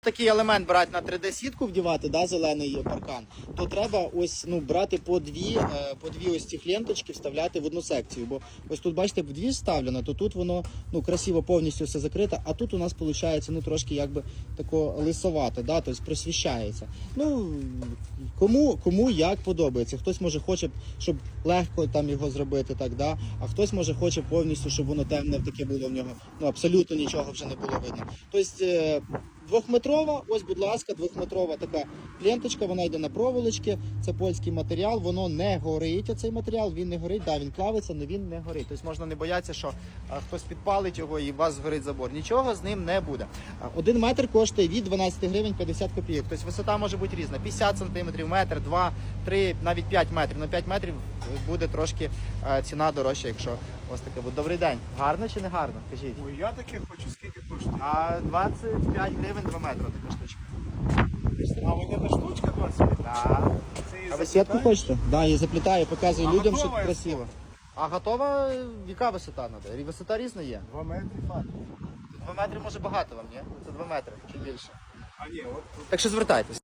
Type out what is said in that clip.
такий елемент брати на 3D-сітку вдівати, да, зелений паркан, то треба ось, ну, брати по дві ось ці ленточки, вставляти в одну секцію. Бо ось тут, бачите, в дві вставлено, то тут воно, ну, красиво повністю все закрите, а тут у нас виходить, ну, трошки якби тако лисовато, да, тобто просвіщається. Ну, кому як подобається. Хтось може хоче, щоб легко там його зробити, так, да, а хтось може хоче повністю, щоб воно темне таке було в нього, ну, абсолютно нічого вже не було видно. Тобто, двохметрова, ось, будь ласка, двохметрова така ленточка, вона йде на проволочки, це польський матеріал, воно не горить, оцей матеріал, він не горить, да, він плавиться, але він не горить. Тобто можна не боятися, що хтось підпалить його і у вас згорить забор. Нічого з ним не буде. 1 метр коштує від 12 гривень 50 копійок. Тобто висота може бути різна, 50 см, метр, 2, 3, навіть 5 метрів. На 5 метрів буде трошки ціна дорожча, якщо ось таке буде. Добрий день. Гарно чи не гарно? Кажіть. Ой, я таке хочу, скільки коштує? А 25 гривень 2 метри така штучка. А у мене штучка 25? Да. Це її А ви заплітаєш? сітку хочете? Так, да, я заплітаю, показую А людям, що готова красиво. А готова, яка висота треба? Висота різна є. 2 метри фат. 2 метри може багато вам, ні? Це 2 метри чи більше. А ні, от Так що звертайтесь.